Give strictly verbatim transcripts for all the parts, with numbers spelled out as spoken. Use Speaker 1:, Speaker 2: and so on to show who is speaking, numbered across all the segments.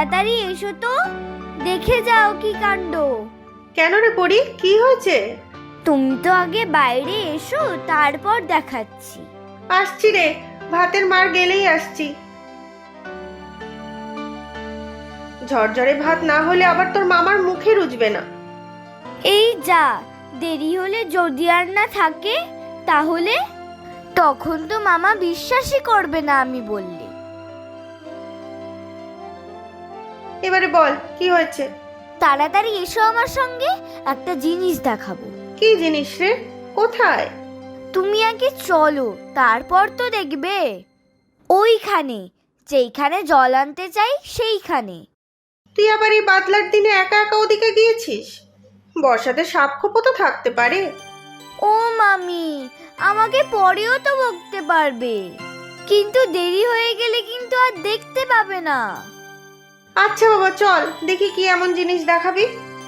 Speaker 1: তাড়াতাড়ি এসো তো, দেখে যাও কি কাণ্ড।
Speaker 2: কেন রে পরি, কি হয়েছে?
Speaker 1: তুমি তো আগে বাইরে এসো, তারপর দেখাচ্ছি।
Speaker 2: আসছি রে, ভাতের মার গেলেই আসছি। ঝরঝরে ভাত না হলে আবার তোর মামার মুখে রুজবে না।
Speaker 1: এই যা, দেরি হলে যদি আর না থাকে তাহলে? তখন তো মামা বিশ্বাসই করবে না আমি বললে।
Speaker 2: এবারে বল কি হয়েছে?
Speaker 1: তাড়াতাড়ি এসো আমার সঙ্গে, একটা জিনিস দেখাবো।
Speaker 2: কি জিনিস রে? কোথায়?
Speaker 1: তুমি আগে চলো, তারপর তো দেখবে। ওইখানে, যেইখানে জল আনতে চাই সেইখানে।
Speaker 2: তুই আবার এই বাদলার দিনে একা একা ওদিকে গিয়েছিস? বর্ষাতে সাপ খোপো তো থাকতে পারে।
Speaker 1: ও মামি, আমাকে পরেও তো বকতে পারবে, কিন্তু দেরি হয়ে গেলে কিন্তু আর দেখতে পাবে না।
Speaker 2: আচ্ছা বাবা, চল দেখি কি এমন জিনিস দেখাবি।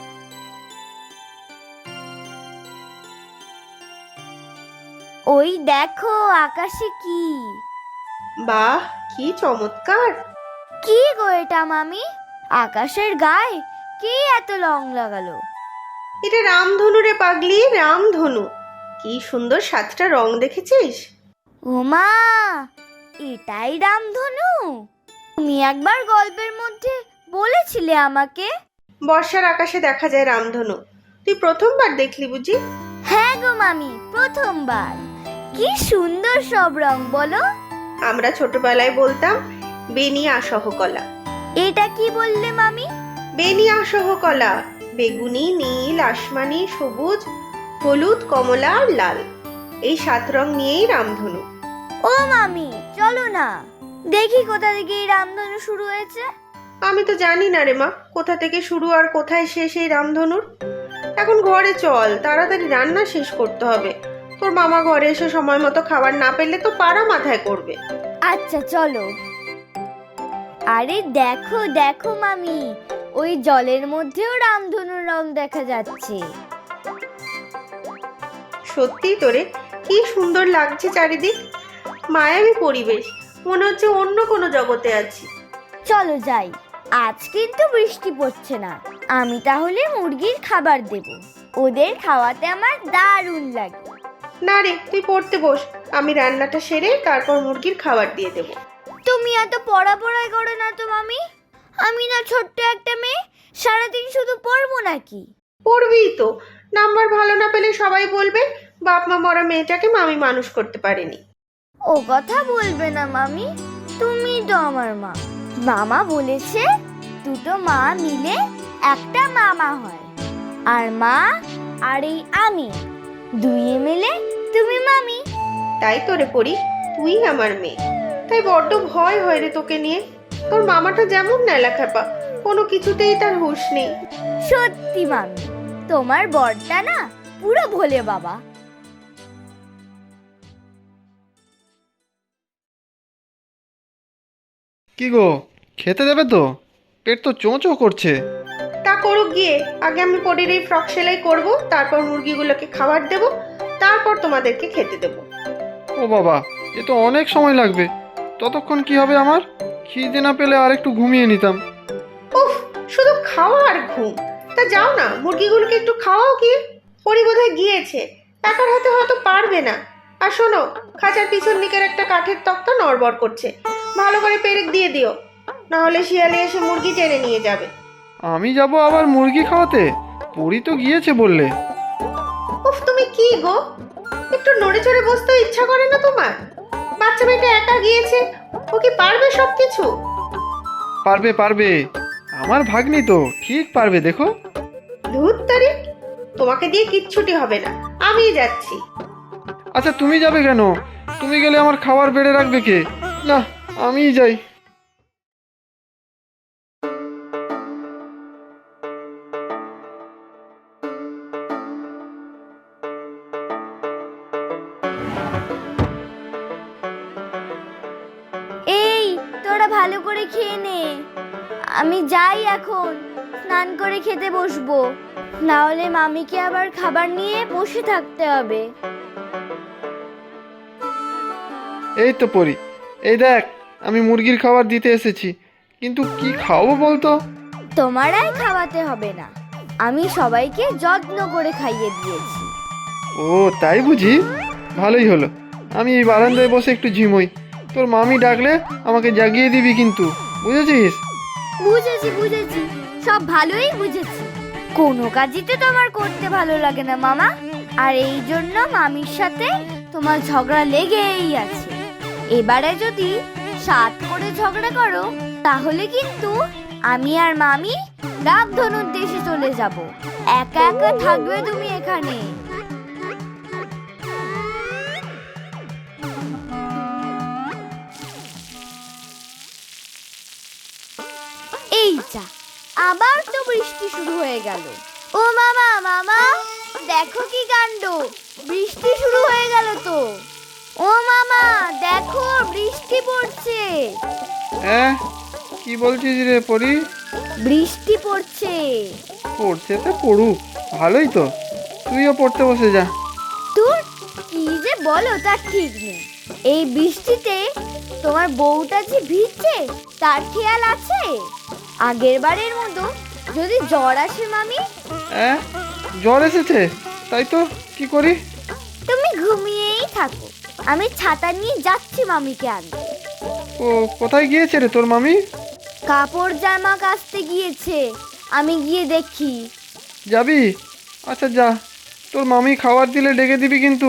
Speaker 1: ওই দেখো আকাশে কি।
Speaker 2: বাহ, কি চমৎকার!
Speaker 1: কি গো এটা মামি, আকাশের গায়ে কে এত রং লাগালো?
Speaker 2: এটা রামধনু রে পাগলি, রামধনু। কি সুন্দর সাতটা রং দেখেছিস?
Speaker 1: ওমা, এটাই রামধনু? তুমি একবার গল্পের মধ্যে বলেছিলে আমাকে।
Speaker 2: বর্ষার আকাশে দেখা যায় রামধনু। তুই প্রথমবার দেখলি বুঝি?
Speaker 1: হ্যাঁ গো মামি, প্রথমবার। কি সুন্দর সব রং বলো।
Speaker 2: আমরা ছোটবেলায় বলতাম বেনিয়া সহকলা।
Speaker 1: এটা কি বললে মামি?
Speaker 2: বেনিয়া সহকলা, বেগুনি, নীল, আসমানি, সবুজ, হলুদ, কমলা আর লাল, এই সাত রং নিয়েই রামধনু।
Speaker 1: ও মামি, চলো না দেখি কোথা থেকে এই রামধনু শুরু হয়েছে।
Speaker 2: আমি তো জানি না রে মা, কোথা থেকে শুরু আর কোথায় শেষ এই রামধনুর। এখন ঘরে চল, তাড়াতাড়ি রান্না শেষ করতে হবে। তোর মামা ঘরে এসে সময় মতো খাবার না পেলে তো পাড়া মাথায় করবে।
Speaker 1: আচ্ছা চলো। আরে দেখো দেখো মামি, ওই জলের মধ্যেও রামধনুর রং দেখা যাচ্ছে।
Speaker 2: সত্যি তোরে, কি সুন্দর লাগছে চারিদিক, মায়াবী পরিবেশ, মনে হচ্ছে অন্য কোনো জগতে আছি।
Speaker 1: চলো যাই, আজ কিন্তু বৃষ্টি পড়ছে না। আমি তাহলে মুরগির খাবার দেব, ওদের খাওয়াতে আমার দারুণ লাগে।
Speaker 2: না রে, তুই পড়তে বস, আমি রান্নাটা সেরে তারপর মুরগির খাবার দিয়ে দেব।
Speaker 1: তুমি এত পড়া পড়াই করো না তো মামি। আমি না ছোট্ট একটা মেয়ে, সারাদিন শুধু পড়বো নাকি?
Speaker 2: পড়বিই তো, নাম্বার ভালো না পেলে সবাই বলবে বাপ মা মরা মেয়েটাকে মামি মানুষ করতে পারেনি।
Speaker 1: ও কথা বলবে না মামি, তুমি তো আমার মা। মামা বলেছে দুটো মা মিলে একটা মামা হয়, আর মা আর এই আমি দুইয়ে মিলে তুমি মামি।
Speaker 2: তাই তোরে পড়ি, তুই আমার মেয়ে, তাই বড্ড ভয় হয় রে তোকে নিয়ে। তোর মামাটা যেমন নেলাখ্যাপা, কোনো কিছুতেই তার হুঁশ নেই।
Speaker 1: সত্যি মামি, তোমার বরটা না পুরো ভোলে বাবা।
Speaker 3: কি গো, খেতে দেবে তো? পেট তো চোঁচো করছে।
Speaker 2: তা করুক গিয়ে, আগে আমি পরির এই ফ্রক সেলাই করব, তারপর মুরগিগুলোকে খাবার দেব, তারপর তোমাদেরকে খেতে দেব।
Speaker 3: ও বাবা, এ তো অনেক সময় লাগবে। ততক্ষণ কি হবে আমার? খিদে না পেলে আর একটু ঘুমিয়ে নিতাম।
Speaker 2: উফ, শুধু খাওয়া আর ঘুম। তা যাও না, মুরগিগুলোকে একটু খাওয়াও গিয়ে। পরি বোধহয় গিয়েছে, একার হাতে হয়তো পারবে না। আর শোনো, খাঁচার পিছন দিকের একটা কাঠের তক্তা নড়বড় করছে, ভালো করে পেরেক দিয়ে দিও, না হলে শিয়ালে এসে মুরগি টেনে নিয়ে যাবে।
Speaker 3: আমি যাব আবার মুরগি খাওয়াতে? পরি তো গিয়েছে বললে।
Speaker 2: উফ, তুমি কি গো, একটু নড়ে চড়ে বসতেও ইচ্ছা করে না তোমার? বাচ্চা মেয়েটা একা গিয়েছে, ও কি পারবে সব কিছু?
Speaker 3: পারবে পারবে, আমার ভাগ্নি তো ঠিক পারবে, দেখো।
Speaker 2: ধুত্তারি, তোমাকে দিয়ে কিচ্ছুটি হবে না, আমিই যাচ্ছি।
Speaker 3: আচ্ছা তুমি যাবে কেন? তুমি গেলে আমার খাবার বেড়ে রাখবে কে? না, আমিই যাই।
Speaker 1: এই তোরা ভালো করে খেয়ে নে, আমি যাই এখন, স্নান করে খেতে বসবো, না হলে মামিকে আবার খাবার নিয়ে বসে থাকতে হবে।
Speaker 3: এই তো পরি, এই দেখ আমি মুরগির খাবার দিতে এসেছি, কিন্তু কি খাওয়াবো বলতো?
Speaker 1: তোমারাই খাওয়াতে হবে না, আমি সবাইকে যত্ন করে খাইয়ে দিয়েছি।
Speaker 3: ও তাই বুঝি, ভালোই হলো। আমি এই বারান্দায় বসে একটু ঝিমোই, তোর মামি ডাকলে আমাকে জাগিয়ে দিবি কিন্তু, বুঝেছিস?
Speaker 1: বুঝেছি বুঝেছি, সব ভালোই বুঝেছি। কোনো কাজই তো তোমার করতে ভালো লাগে না মামা, আর এই জন্য মামির সাথে তোমার ঝগড়া লেগেই আছে। এবারে যদি সাত করে ঝগড়া করো তাহলে কিন্তু আমি আর মামি রামধনুর দেশে চলে যাব। একা একা থাকবে তুমি এখানে। এই যা, আবার তো বৃষ্টি শুরু হয়ে গেল। ও মামা মামা, দেখো কি কাণ্ড, বৃষ্টি শুরু হয়ে গেল তো। ও মামা দেখো, বৃষ্টি পড়ছে।
Speaker 3: হ্যাঁ, কি বলছিস রে পরি?
Speaker 1: বৃষ্টি পড়ছে।
Speaker 3: পড়ছে তো পড়ুক, ভালোই তো, তুইও পড়তে বসে যা।
Speaker 1: তোর কি যে বলো তার ঠিক নেই। এই বৃষ্টিতে তোমার বউটা যে ভিজছে তার খেয়াল আছে? আগের বারের মতো যদি জ্বর আসে মামি?
Speaker 3: হ্যাঁ, জ্বর এসেছে, তাই তো, কি করি?
Speaker 1: তুমি ঘুমিয়েই থাকো, আমি ছাতা নিয়ে যাচ্ছি মামিকে আনতে।
Speaker 3: ও কোথায় গিয়েছে রে তোর মামি?
Speaker 1: কাপড় জামা কাচতে গিয়েছে, আমি গিয়ে দেখি।
Speaker 3: যাবি? আচ্ছা যা, তোর মামি খাবার দিলে ডেকে দিবি কিন্তু।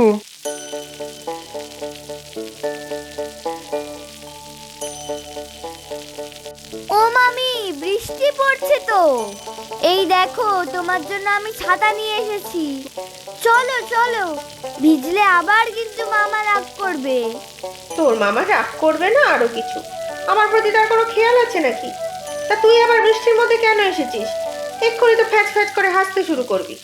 Speaker 1: ও মামি, বৃষ্টি পড়ছে তো, এই দেখো তোমার জন্য আমি ছাতা নিয়ে এসেছি। চলো চলো, ভিজলে আবার কিন্তু মামা রাগ করবে।
Speaker 2: তোর মামা রাগ করবে না আরো কিছু? আমার প্রতি তার কোনো খেয়াল আছে নাকি? তা তুই আবার বৃষ্টির মধ্যে কেন এসেছিস? এক্ষুনি তো ফ্যাচ ফ্যাচ করে হাসতে শুরু করবি।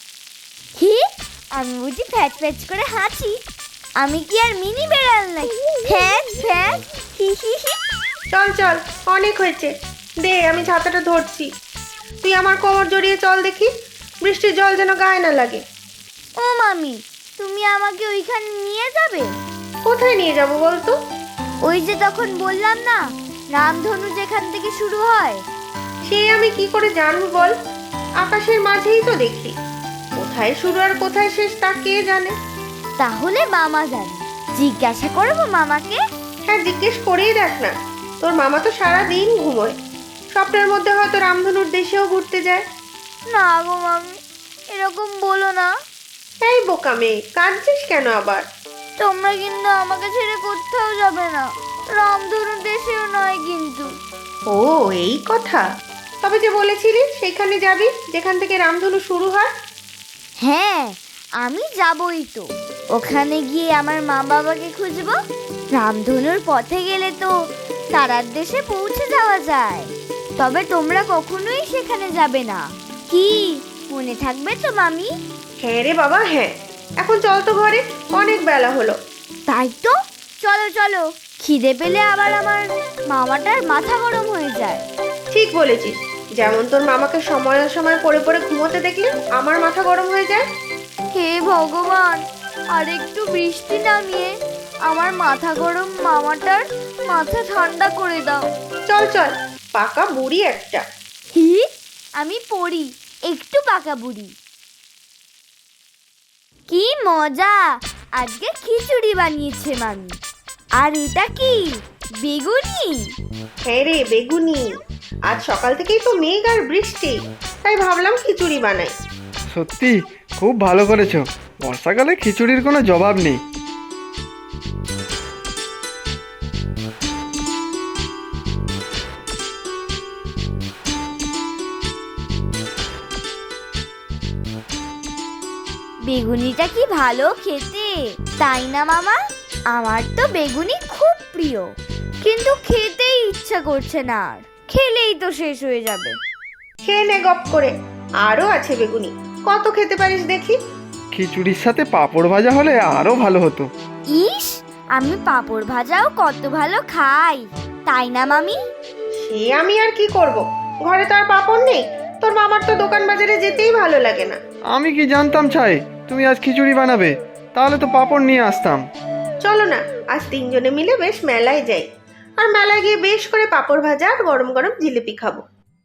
Speaker 1: কি, আমি বুঝি ফ্যাচ ফ্যাচ করে হাসি? আমি কি আর মিনি বেড়াল নাকি? ফ্যাচ ফ্যাচ, হি হি হি।
Speaker 2: চল চল, অনেক হয়েছে, দে আমি ছাতাটা ধরছি। তুই আমার কোমর জড়িয়ে চল দেখি, বৃষ্টির জল যেন গায়ে না লাগে।
Speaker 1: ও মামি, তুমি আমাকে ওইখানে নিয়ে যাবে?
Speaker 2: কোথায় নিয়ে যাব বলতো?
Speaker 1: ওই যে তখন বললাম না, রামধনু যেখান থেকে শুরু হয়।
Speaker 2: সে আমি কি করে জানবো বল? আকাশের মাঝেই তো দেখি, কোথায় শুরু আর কোথায় শেষ তা কে জানে?
Speaker 1: তাহলে মামা জানে, জিজ্ঞাসা করবো মামাকে।
Speaker 2: হ্যাঁ, জিজ্ঞেস করেই দেখ না, তোর মামা তো সারা দিন ঘুমোয়, স্বপ্নের মধ্যে হয়তো রামধনুর দেশেও ঘুরতে যায়।
Speaker 1: না গো মামি, এরকম বলো না।
Speaker 2: এই বোকা মেয়ে, কাঁদছিস কেন আবার?
Speaker 1: তোমরা কিন্তু আমাকে ছেড়ে কোথাও যাবে না, রামধনু দেশেও নয় কিন্তু।
Speaker 2: ও এই কথা, তবে যে বলেছিলি সেখানে যাবি যেখান থেকে রামধনু শুরু হয়।
Speaker 1: হ্যাঁ, আমি যাবই তো। ওখানে গিয়ে আমার মা বাবাকে খুঁজবো। রামধনুর পথে গেলে তো তারার দেশে পৌঁছে যাওয়া যায়। তবে তোমরা কখনোই সেখানে যাবে না, কি মনে থাকবে তো মামি?
Speaker 2: হ্যাঁ রে বাবা হ্যাঁ, এখন চল তো ঘরে, অনেক বেলা হলো।
Speaker 1: তাই তো, চলো চলো, খিদে পেলে আবার আমার মামাটার মাথা গরম হয়ে যায়।
Speaker 2: ঠিক বলেছিস, যেমন তোর মামাকে সময় সময় পড়ে পড়ে ঘুমোতে দেখলে আমার মাথা গরম হয়ে যায়।
Speaker 1: হে ভগবান, আর একটু বৃষ্টি নামিয়ে আমার মাথা গরম মামাটার মাথা ঠান্ডা করে দাও।
Speaker 2: চল চল, পাকা বুড়ি একটা।
Speaker 1: হি, আমি পড়ি, একটু পাকা বুড়ি। কি মজা, আজকে খিচুড়ি বানিয়েছে মামি। আর এটা কি, বেগুনি?
Speaker 2: হ্যাঁ রে বেগুনি, আজ সকাল থেকেই তো মেঘ আর বৃষ্টি, তাই ভাবলাম খিচুড়ি বানাই।
Speaker 3: সত্যি খুব ভালো করেছো, বর্ষাকালে খিচুড়ির কোনো জবাব নেই।
Speaker 1: বেগুনিটা কি ভালো খেতে, তাই না মামা? আমার তো বেগুনি খুব প্রিয়, কিন্তু খেতেই ইচ্ছা করছে না, আর খেলেই তো শেষ হয়ে যাবে।
Speaker 2: খেয়ে নে গপ করে, আরো আছে বেগুনি, কত খেতে পারিস দেখি।
Speaker 3: খিচুড়ির সাথে পাঁপড় ভাজা হলে আরো ভালো হতো।
Speaker 1: ইস, আমি পাঁপড় ভাজাও কত ভালো খাই, তাই না মামি?
Speaker 2: সে আমি আর কি করব, ঘরে তো আর পাঁপড় নেই, তোর মামার তো দোকান বাজারে যেতেই ভালো লাগে না।
Speaker 3: আমি কি জানতাম ছাই তুমি আজ খিচুড়ি বানাবে, তাহলে তো পাঁপড় নিয়ে আসতাম।
Speaker 2: চলো না, আজ তিনজনে মিলে বেশ মেলায় যাই, আর মেলায় গিয়ে বেশ করে পাঁপড় ভাজা আর গরম গরম জিলিপি খাবো।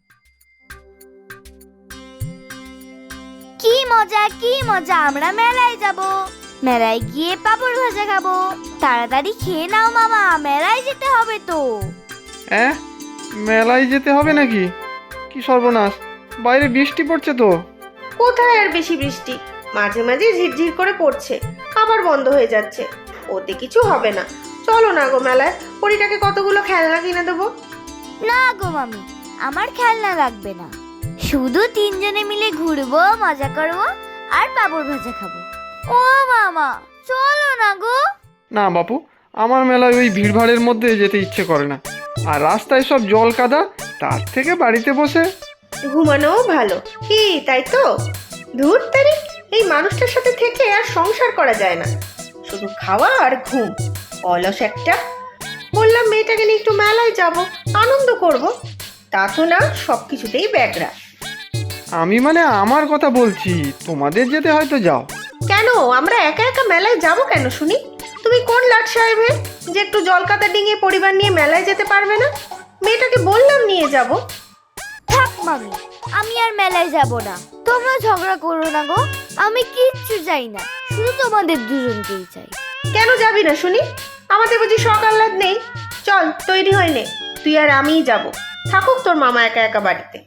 Speaker 1: কি মজা কি মজা, আমরা মেলায় যাব, মেলায় গিয়ে পাপড় ভাজা খাবো। তাড়াতাড়ি খেয়ে নাও মামা, মেলায় যেতে হবে তো।
Speaker 3: হ্যাঁ, মেলায় যেতে হবে নাকি? কি সর্বনাশ, বাইরে বৃষ্টি পড়ছে তো।
Speaker 2: কোথায় আর বেশি বৃষ্টি, মাঝে মাঝে ঝিরঝির করে পড়ছে, আবার বন্ধ হয়ে যাচ্ছে। ওতে কিছু হবে না, চলো না গো মেলায়, পরিটাকে কতগুলো খেলনা কিনে দেবো।
Speaker 1: না গো মামি, আমার খেলনা লাগবে না, শুধু তিনজনে মিলে ঘুরবো, মজা করবো আর পাপড় ভাজা খাবো। ও মামা, চলো না গো।
Speaker 3: না বাপু, আমার মেলায় ওই ভিড়ভাড়ের মধ্যে যেতে ইচ্ছে করে না, আর রাস্তায় সব জল কাদা, তার থেকে বাড়িতে বসে
Speaker 2: ঘুমানোও ভালো। কি তাই তো? ধুর তারিখ, এই মানুষটার সাথে থেকে আর সংসার করা যায় না, শুধু খাওয়া আর ঘুম, অলস একটা। বললাম মেয়েটাকে নিয়ে একটু মেলায় যাব, আনন্দ করব, তা তো না, সব কিছুতেই ব্যাগরা।
Speaker 3: আমি মানে আমার কথা বলছি, তোমাদের যেতে হয়তো যাও।
Speaker 2: কেন আমরা একা একা মেলায় যাব কেন শুনি? তুমি কোন লাট সাহেবের যে একটু জলকাতা ডিঙিয়ে পরিবার নিয়ে মেলায় যেতে পারবে না? মেয়েটাকে বললাম নিয়ে যাব।
Speaker 1: থাক মামি, আমি আর মেলায় যাব না। তোমরা ঝগড়া করো না গো, আমি কিচ্ছু চাই না, শুধু তোমাদের দুজনকেই চাই।
Speaker 2: কেন যাবি না শুনি? আমাদের বুঝি শখ আহ্লাদ নেই? চল তৈরি হয়ে নে, তুই আর আমিই যাব, থাকুক তোর মামা একা একা বাড়িতে।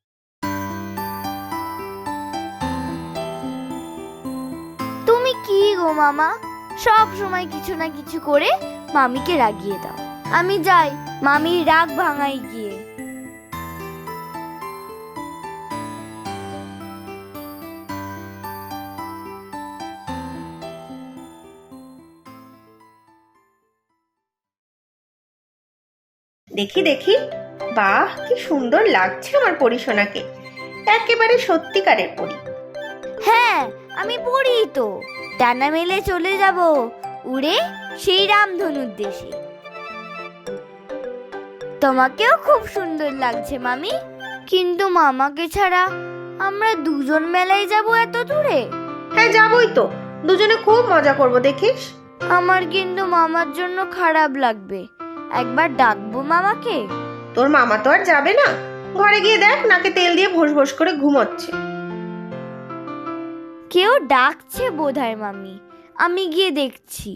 Speaker 1: তুমি কি গো মামা, সব সময় কিছু না কিছু করে মামিকে রাগিয়ে দাও। আমি যাই, মামির রাগ ভাঙাই গিয়ে।
Speaker 2: দেখি দেখি, বাহ কি সুন্দর লাগছে আমার পরিসোনাকে, একেবারে সত্যিকারের পরি।
Speaker 1: হ্যাঁ, আমি পড়ি তো, ডানা মেলে চলে যাব উড়ে সেই রামধনুর দেশে। তোমাকেও খুব সুন্দর লাগছে মামি, কিন্তু মামাকে ছাড়া আমরা দুজন মেলায় যাব এত দূরে।
Speaker 2: হ্যাঁ যাবই তো, দুজনে খুব মজা করব, দেখিস।
Speaker 1: আমার কিন্তু মামার জন্য খারাপ লাগবে, একবার ডাকবো মামাকে।
Speaker 2: তোর মামা তো আর যাবে না, ঘরে গিয়ে দেখ নাকে তেল দিয়ে ভোস ভোস করে ঘুমোচ্ছে।
Speaker 1: কেউ ডাকছে বোধহয় মামি, আমি গিয়ে দেখছি।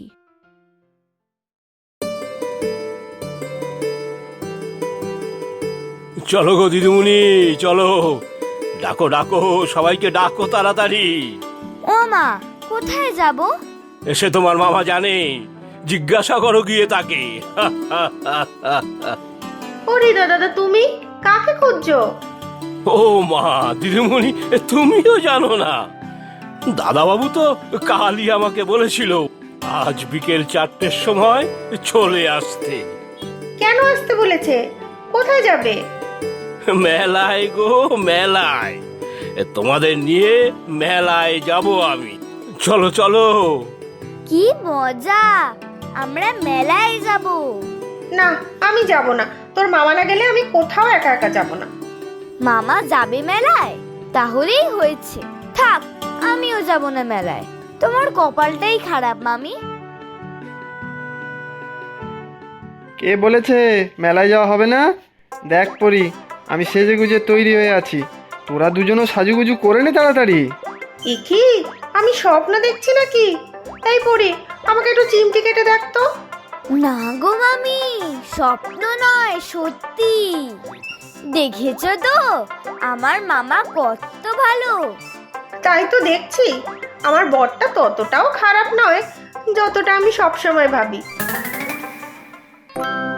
Speaker 4: চলো গো দিদিমণি, চলো, ডাকো ডাকো, সবাইকে ডাকো তাড়াতাড়ি।
Speaker 1: ও মা, কোথায় যাব?
Speaker 4: এসে তোমার মামা জানে, জিজ্ঞাসা করো গিয়ে তাকে।
Speaker 2: ওরে দাদা, তুমি কাকে খুঁজছো?
Speaker 4: ও মা, দিদিমণি তুমিও জানো না? দাদাবাবু তো কালই আমাকে বলেছিল আজ বিকেল চারটের সময় চলে আসতে।
Speaker 2: কেন আসতে বলেছে? কোথায় যাবে?
Speaker 4: মেলায় গো, মেলায়, তোমাদের নিয়ে মেলায় যাব আমি। চলো চলো।
Speaker 1: কি মজা, আমরা মেলায় যাব।
Speaker 2: না, আমি যাব না, তোর মামা না গেলে আমি কোথাও একা একা যাব না।
Speaker 1: মামা যাবে মেলায়? তাহলেই হয়েছে, থাক, আমিও যাব না মেলায়। তোমার কপালটাই খারাপ মামি।
Speaker 3: কে বলেছে মেলায় যাওয়া হবে না? দেখ পরি, আমি সেজে গুজে তৈরি হয়ে আছি, তোরা দুজনও সাজুগুজু করে নে তাড়াতাড়ি।
Speaker 2: এ কি, আমি স্বপ্ন দেখছি নাকি? এই পড়ি, আমাকে একটু চিমটি কেটে দেখ তো।
Speaker 1: না গো মামি, স্বপ্ন নয়, সত্যি। দেখেছো তো আমার মামা কত ভালো।
Speaker 2: তাই তো দেখছি, আমার বরটা ততটাও খারাপ নয় যতটা আমি সবসময় ভাবি।